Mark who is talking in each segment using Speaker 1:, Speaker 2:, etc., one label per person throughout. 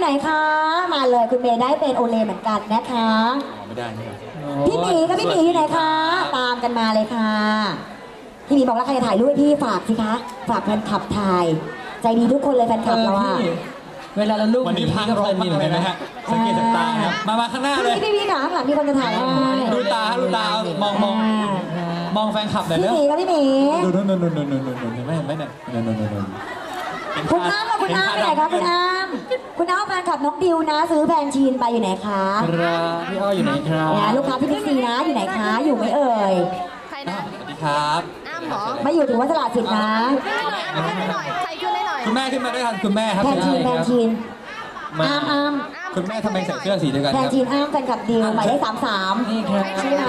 Speaker 1: ไหนคะมาเลยคุณเมย์ได้เป็นโอเลเหมือนกันนะคะ
Speaker 2: ไม่ได้
Speaker 1: พี่หมีกับพี่หมีอยู่ไหนคะตามกันมาเลยค่ะพี่หมีบอกแล้วใครจะถ่ายรูปให้พี่ฝากสิคะฝากแฟนคลับถ่ายใจดีทุกคนเลยแฟนคลับเราอะ
Speaker 3: เวลาเราลูก
Speaker 2: วันนี้พังก็เพลินมีเหมือนกันนะฮะสังเกตจากตาครับมาข้างหน้าเลย
Speaker 1: พี่ค่ะข้างหลังมีคนจะถ่ายให้
Speaker 2: ดูตามองแฟนคลับหน่อยเนอะ
Speaker 1: พี่หมีกับพี่หมี
Speaker 2: ดูไม่เห็นไหมเนี่ย
Speaker 1: คุณอ้ำกับคุณอ้ำไปไหนคะคุณอ้ำคุณอ้ำแฟนคลับน้องดิวนะซื้อแฟนชีนไปอยู่ไหนคะ
Speaker 3: พี่อ้ออยู่ไหนครับ
Speaker 1: ลูกค้าที่บิ๊กซีนะอยู่ไหนคะอยู่ไหมเอ่ย
Speaker 4: ใครนะ
Speaker 2: สวัสดีครับ
Speaker 4: อ้ำหรอ
Speaker 1: ไม่อยู่ถึงวัดตลาดสิทธิ์นะ
Speaker 4: ให้หน่อยใครขึ้นได้หน่อย
Speaker 2: คุณแม่ขึ้นมาด้วยกันคุณแม่ครับ
Speaker 1: แฟนชีนอ้ำ
Speaker 2: คุณแม่ทำไมใส่เสื้อสีเดียวกัน
Speaker 1: แฟนชีนอ้ำแฟนคลับดิวหมายเลข33
Speaker 3: นี่ครับ
Speaker 1: ใช่ไหม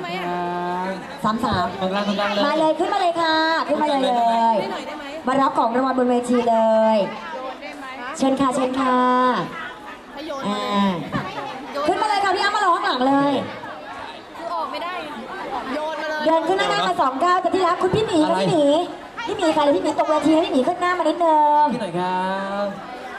Speaker 1: 33มาเลยขึ้นมาเลยค่ะขึ้นมาเลยมารับของรางวัลบนเวทีเลยเชิญค่ะขึ้นมาเลยค่ะพี่อ้ำมาร้องหลังเลย
Speaker 4: คือออกไม่ได้โยนมาเลย
Speaker 1: เดินขึ้นหน้ามา2 ก้าวแต่ที่รักคุณพี่หมีค่ะพี่หมีค่ะเลยพี่หมีตกเวทีพี่หมีขึ้นหน้ามานิดนึง
Speaker 3: ที่ไหนครับ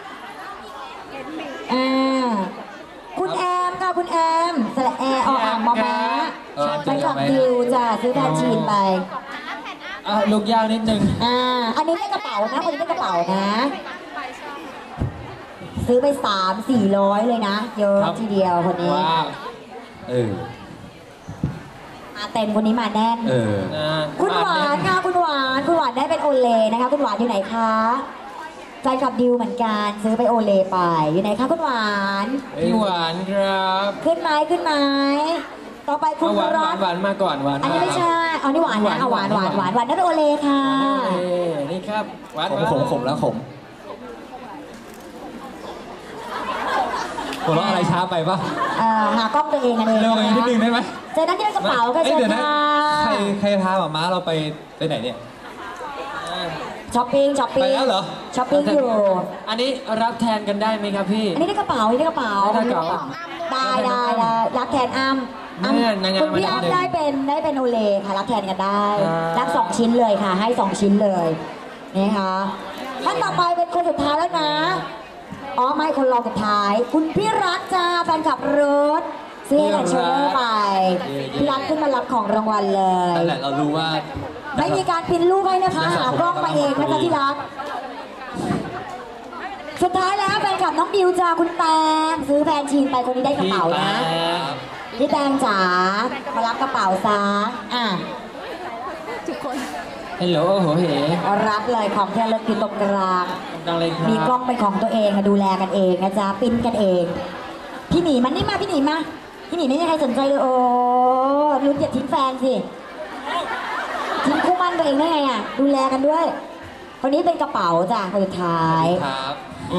Speaker 1: คุณแอมค่ะคุณแอมสระแอออ่างมอม้าไปขับดิวจ้ะซื้อแทนชีนไป
Speaker 3: ลูกยาวนิดนึง
Speaker 1: อันนี้ได้กระเป๋านะคนนี้ได้กระเป๋านะซื้อไป300-400เลยนะเยอะทีเดียวคนนี้มาเต็มคนนี้มาแน่นคุณหวานค่ะคุณหวานได้เป็นโอเลนะคะคุณหวานอยู่ไหนคะใจกับดิวเหมือนกันซื้อไปโอเลไปอยู่ไหนคะคุณหวาน
Speaker 3: พี่หวานครับ
Speaker 1: ขึ้นไหมต่อไปคุณรอด
Speaker 3: หวานมาก่อนหวาน
Speaker 1: อันนี้ไม่ใช่เอานี่หวานนะเอาหวานได้เป็นโอเลค่ะ
Speaker 3: นี่ครับหวาน
Speaker 2: ขมแล้วหัวเราะอะไรช้าไปป่ะ
Speaker 1: หากล้องตัวเองกันเอง
Speaker 2: เร็วนิดนึงได้ไหม
Speaker 1: เจอนั่นที่กระเป๋าก็เจอค่ะ
Speaker 2: ใครพาหมาเราไปไหนเนี่ย
Speaker 1: ช้อปปิ้ง
Speaker 2: ไปแล้วเหรอ
Speaker 1: ช้อปปิ้งอยู่
Speaker 3: อันนี้รับแทนกันได้ไหมครับพี่
Speaker 1: อันนี้ได้กระเป๋าได้รับแทนอ้ำคุณพี่อ้ำได้เป็นโอเลค่ะรับแทนกันได้รับ2 ชิ้นเลยค่ะให้2 ชิ้นเลยนี่ค่ะท่านต่อไปเป็นคนสุดท้ายแล้วนะไม่คนรองสุดท้ายคุณพี่รักจ้าแฟนขับรถซื้อแอนด์โชเดอร์ไปพี่รักขึ้นมารับของรางวัลเลย
Speaker 2: นั่นแหละเรารู้ว่า
Speaker 1: ไม่มีการพิมพ์รูปให้นะคะหากล้องมาเองนะจ๊ะที่รักสุดท้ายแล้วแฟนคลับน้องดิวจ้าคุณแตงซื้อแฟนชีนไปคนนี้ได้กระเป๋านะพี่แตงจ๋ามารับกระเป๋าซะ
Speaker 4: ทุกคน
Speaker 3: ฮัลโหลโหเห
Speaker 1: รับเลยของที่ระลึกอยู่ตรงกลางมีกล้องเป็นของตัวเองดูแลกันเองนะจ๊ะปิ้นกันเองพี่หมีมันนี่มาพี่หมีไม่มีใครสนใจเลยโอ้ลุ้นอย่าทิ้งแฟนสิทิ้งคู่มั่นตัวเองได้ไงดูแลกันด้วยคนนี้เป็นกระเป๋าจ้ะคนสุดท้าย
Speaker 2: ครับ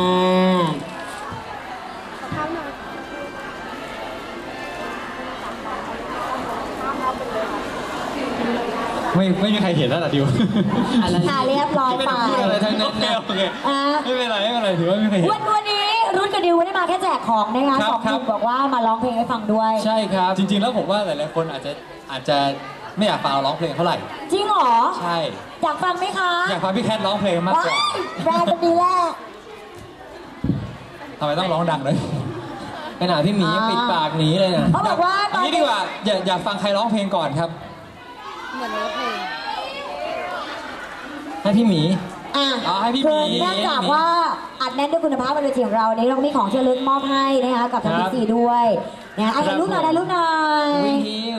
Speaker 2: ไม่มีใครเห็นแล้วล่ะดิว
Speaker 1: เรียบร้อยไป
Speaker 2: อะไรทั้งนั้นโอเคไม่เป็นไรถือว่าไม่มีใครเห็น
Speaker 1: วันนี้รุ่นกับดิวไม่ได้มาแค่แจกของนะคะ2 คนบอกว่ามาร้องเพลงให้ฟังด้วย
Speaker 3: ใช่ครับ
Speaker 2: จริงๆแล้วผมว่าหลายๆคนอาจจะไม่อยากฟังเราร้องเพลงเท่าไหร่
Speaker 1: จริงเหรอ
Speaker 2: ใช่
Speaker 1: อยากฟังไหมคะ
Speaker 2: อยากฟังพี่แคทร้องเพลงมากกว่า
Speaker 1: แบรนด์ดีแรก
Speaker 2: ทำไมต้องร้องดังเลย
Speaker 3: ขนาดพี่หมียังปิดปากหนีเลย
Speaker 1: เขาบอกว่า
Speaker 2: ตอนนี้ดีกว่าอยากฟังใครร้องเพลงก่อนครับ
Speaker 4: เหมือนร้องเพลง
Speaker 3: ให้พี่หมี
Speaker 2: ให้พี่หมี
Speaker 1: เนื่องจากว่าอัดแน่นด้วยคุณภาพบนเวทีของเราในเรามีของที่ระลึกมอบให้นะคะกับทางพี่ซีด้วยนะถ่ายรูปหน่อย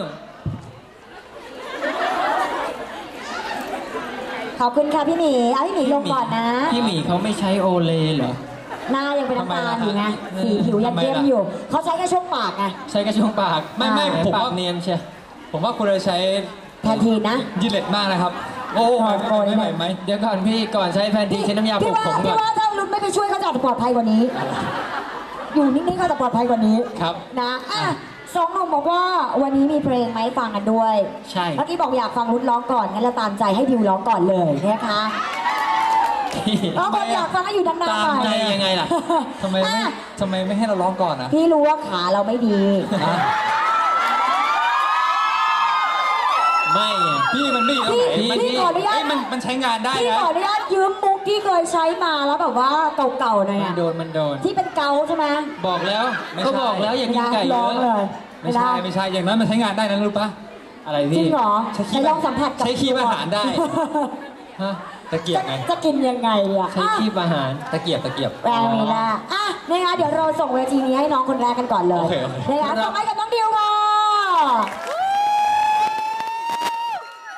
Speaker 1: ขอบคุณค่ะพี่หมีพี่หมีลงก่อนนะ
Speaker 3: พี่หมีเขาไม่ใช้โอเลเหรอ
Speaker 1: หน้ายังเป็นน้ำตาลอยู่ไงสีผิวยังเข้มอยู่เขาใช้แค่ช่วงปากไง
Speaker 3: ใช้แค่ช่วงปาก
Speaker 2: ไม่ผมว่า
Speaker 3: เนียนใช่
Speaker 2: ผมว่าคุณจะใช้
Speaker 1: แพนทีนนะ
Speaker 2: ยินเล็ดมากนะครับโอ้ไม่ไหม
Speaker 3: เดี๋ยวก่อนพี่ก่อนใช้แพนทีนใช้น้ำยาปลุกผมก่อน
Speaker 1: พี่ว่าถ้ารุ่นไม่ไปช่วยเขาจะปลอดภัยกว่านี้อยู่นิ่งๆเขาจะปลอดภัยกว่านี้
Speaker 2: ครับ
Speaker 1: นะ2 หนุ่มบอกว่าวันนี้มีเพลงไหมฟังกันด้วย
Speaker 3: ใช่
Speaker 1: เมื่อกี้บอกอยากฟังรุ่นร้องก่อนงั้นเราตามใจให้ดิวร้องก่อนเลยนะคะเราบอกอยากฟังให้อยู่ดังๆหน่อย
Speaker 3: ตามใจยังไงล่ะ
Speaker 2: ทำไมไม่ให้เราร้องก่อนนะ
Speaker 1: พี่รู้ว่าขาเราไม่ดี
Speaker 3: ไม่
Speaker 2: พี่มันไม่ดีตรงไหน
Speaker 1: พี่ขออนุญาต
Speaker 2: มันใช้งานได้นะ
Speaker 1: พี่ขออนุญาตยืมมุกกกี้เคยใช้มาแล้วแบบว่าเก่าๆหน่อย
Speaker 3: มัน
Speaker 1: อะ
Speaker 3: โดนมันโดน
Speaker 1: ที่เป็นเกาใช่ไหม
Speaker 3: บอกแล้ว
Speaker 2: ไม่ใช่
Speaker 3: ก็บอกแล้วอย่ากินไก่
Speaker 1: ล
Speaker 3: เย
Speaker 1: อง
Speaker 3: อะ
Speaker 1: เลย
Speaker 2: ไม่ใช่ไม่ใช่อย่างนั้นมันใช้งานได้นะรู้ปะ
Speaker 3: อะไร
Speaker 1: จริ
Speaker 3: พี่
Speaker 1: งเหรอ
Speaker 2: ใช้ขี้
Speaker 1: ไหนลองสัมผัสกับ
Speaker 2: ใช้ขี้อาหารได้
Speaker 3: ฮะ
Speaker 2: ตะเกียบไง
Speaker 1: จะกินยังไงอะ
Speaker 3: ใช้คีบอาหาร
Speaker 2: ตะเกียบตะเกียบ
Speaker 1: แรงนี้ละอ่ะนะคะเดี๋ยวเราส่งเวทีนี้ให้น้องคนแรกกันก่อนเลย
Speaker 2: โอเคโอเค
Speaker 1: นะคะส่งให้กับน้องดิวค่ะ